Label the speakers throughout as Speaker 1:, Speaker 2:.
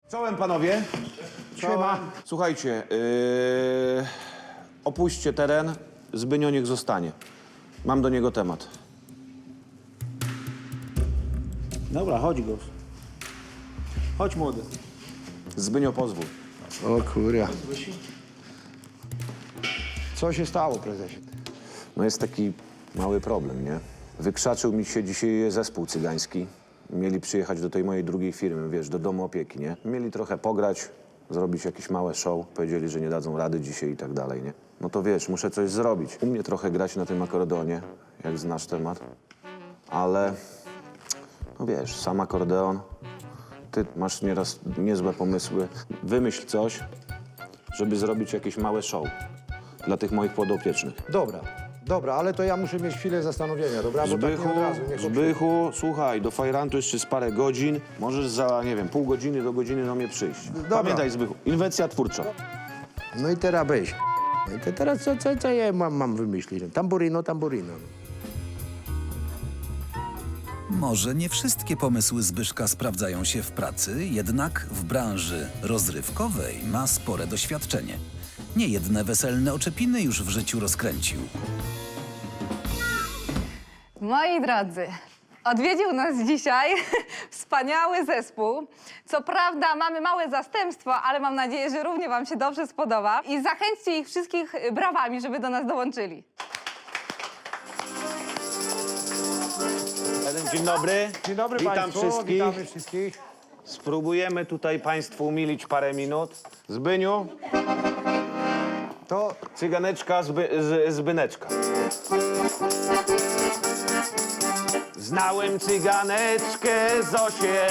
Speaker 1: Czołem, panowie.
Speaker 2: Siema.
Speaker 1: Słuchajcie, opuśćcie teren, Zbynio niech zostanie. Mam do niego temat.
Speaker 2: Dobra, chodź, Gos. Chodź, młody.
Speaker 1: Zbynio, pozwól.
Speaker 2: O kurja. Co się stało, prezesie?
Speaker 1: No jest taki mały problem, nie? Wykrzaczył mi się dzisiaj zespół cygański. Mieli przyjechać do tej mojej drugiej firmy, wiesz, do domu opieki, nie? Mieli trochę pograć, zrobić jakieś małe show. Powiedzieli, że nie dadzą rady dzisiaj i tak dalej, nie? No to wiesz, muszę coś zrobić. U mnie trochę grać na tym akordeonie, jak znasz temat. Ale, no wiesz, sam akordeon. Ty masz nieraz niezłe pomysły. Wymyśl coś, żeby zrobić jakieś małe show dla tych moich podopiecznych.
Speaker 2: Dobra, ale to ja muszę mieć chwilę zastanowienia, dobra? Bo tak
Speaker 1: Zbychu,
Speaker 2: nie od razu, nie
Speaker 1: Zbychu, słuchaj, do fajrantu jeszcze z parę godzin. Możesz za, nie wiem, pół godziny do godziny do mnie przyjść.
Speaker 2: Dobra.
Speaker 1: Pamiętaj, Zbychu, inwencja twórcza.
Speaker 2: No i teraz weź. No i teraz co ja mam wymyślić? Tamburino.
Speaker 3: Może nie wszystkie pomysły Zbyszka sprawdzają się w pracy, jednak w branży rozrywkowej ma spore doświadczenie. Niejedne weselne oczepiny już w życiu rozkręcił.
Speaker 4: Moi drodzy, odwiedził nas dzisiaj wspaniały zespół. Co prawda mamy małe zastępstwo, ale mam nadzieję, że równie wam się dobrze spodoba. I zachęćcie ich wszystkich brawami, żeby do nas dołączyli.
Speaker 1: Dzień dobry.
Speaker 2: Dzień dobry
Speaker 1: Witam
Speaker 2: państwu,
Speaker 1: wszystkich.
Speaker 2: witamy wszystkich.
Speaker 1: Spróbujemy tutaj państwu umilić parę minut. Zbyniu,
Speaker 2: To
Speaker 1: cyganeczka, Zbyneczka. Znałem cyganeczkę Zosię,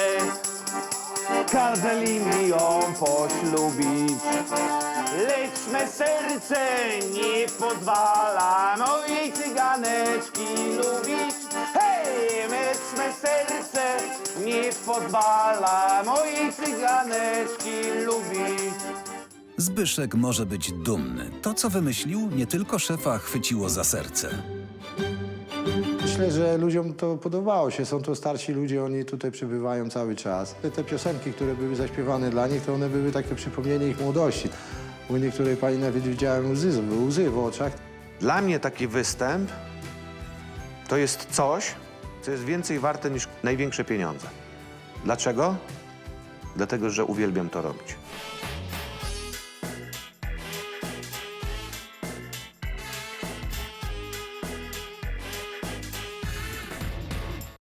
Speaker 1: kazali mi ją poślubić. Lecz me serce nie pozwala mojej cyganeczki lubić. Hej, lecz me serce nie pozwala mojej cyganeczki lubić.
Speaker 3: Zbyszek może być dumny. To, co wymyślił, nie tylko szefa chwyciło za serce.
Speaker 2: myślę, że ludziom to podobało się. Są to starsi ludzie, oni tutaj przybywają cały czas. Te piosenki, które były zaśpiewane dla nich, to one były takie przypomnienie ich młodości. U niektórej pani nawet widziałem łzy w oczach.
Speaker 1: Dla mnie taki występ to jest coś, co jest więcej warte niż największe pieniądze. Dlaczego? Dlatego, że uwielbiam to robić.